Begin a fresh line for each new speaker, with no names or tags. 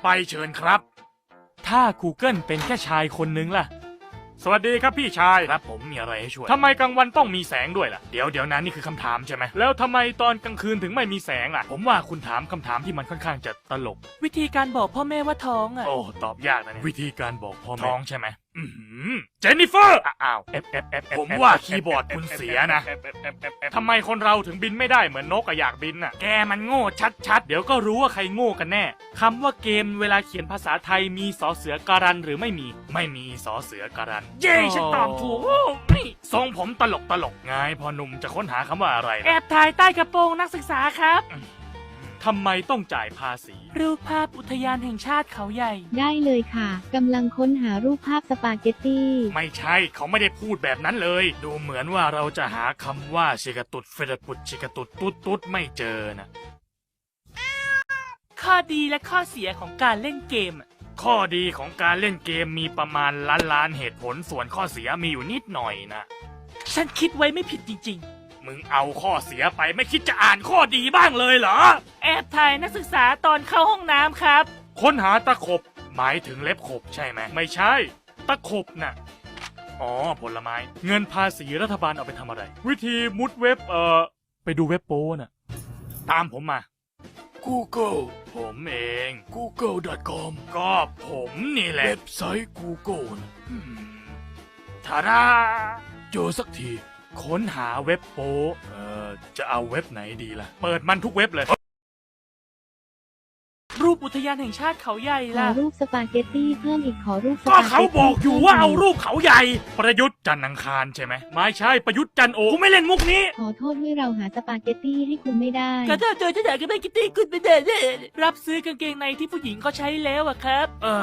ไปเชิญครับถ้า Google เป็นแค่ชายคนนึงล่ะสวัสดีครับพี่ชายครับผมมีอะไรให้ช่วยทำไมกลางวันต้องมีแสงด้วยล่ะเดี๋ยวนะนี่คือคำถามใช่ไหมแล้วทำไมตอนกลางคืนถึงไม่มีแสงล่ะผมว่าคุณถามคำถามที่มันค่อนข้างจะตลก
วิธีการบอกพ่อแม่ว่าท้องอ่ะ
โอ้ตอบยากนะเนี่ยวิธีการบอกพ่อแม่ท้องใช่ไหมเจนนิเฟอร์อ้าวผมว่าคีย์บอร์ดคุณเสียนะทำไมคนเราถึงบินไม่ได้เหมือนนกอยากบินน่ะแกมันโง่ชัดๆเดี๋ยวก็รู้ว่าใครโง่กันแน่คำว่าเกมเวลาเขียนภาษาไทยมีสอเสือการันหรือไม่มีสอเสือการันเย้ฉันตอบถูกทรงผมตลกไงพอหนุ่มจะค้นหาคำว่าอะไรนะ
แอบถ่ายใต้กระโปรงนักศึกษาครับ
ทำไมต้องจ่ายภาษี
รูปภาพอุทยานแห่งชาติเขาใหญ่
ได้เลยค่ะกำลังค้นหารูปภาพสปาเกตตี้
ไม่ใช่เขาไม่ได้พูดแบบนั้นเลยดูเหมือนว่าเราจะหาคำว่าชิกาตุดเฟรปุดชิกาตุดตุ๊ดไม่เจอนะ
ข้อดีและข้อเสียของการเล่นเกม
ข้อดีของการเล่นเกมมีประมาณล้านเหตุผลส่วนข้อเสียมีอยู่นิดหน่อยนะ
ฉันคิดไว้ไม่ผิดจริง
มึงเอาข้อเสียไปไม่คิดจะอ่านข้อดีบ้างเลยเหรอ
ๆ แอบถ่ายนักศึกษาตอนเข้าห้องน้ำครับ
ค้นหาตะขบหมายถึงเล็บขบใช่ไหมไม่ใช่ตะขบน่ะอ๋อผลไม้เงินภาษีรัฐบาลเอาไปทำอะไรวิธีมุดเว็บไปดูเว็บโป้น่ะตามผมมา Google ผมเอง google.com ก็ผมนี่แหละเว็บไซต์ Google นะทาราเจอสักทีค้นหาเว็บโป้จะเอาเว็บไหนดีล่ะเปิดมันทุกเว็บเลย
รูปอุทยานแห่งชาติเขาใหญ่
ขอ
ล่ะ
รูปสปาเกตตี้เพิ่มอีกขอรูปส
ก็
ปาเกตตี้
เขาบอกอยู่ว่าเอารูปเขาใหญ่ ประยุทธ์จันทร์อังคารใช่ไหมไม่ใช่ประยุทธ์จันทร์โอกูไม่เล่นมุกนี้
ขอโทษด้วยเราหาสปาเกตตี้ให้คุณไม่ได้
ก็ถ้าเจอจะอยากจะไม่กิตตี้คุณไปเด็ดรับซื้อกางเกงในที่ผู้หญิงก็ใช้แล้วอะครับ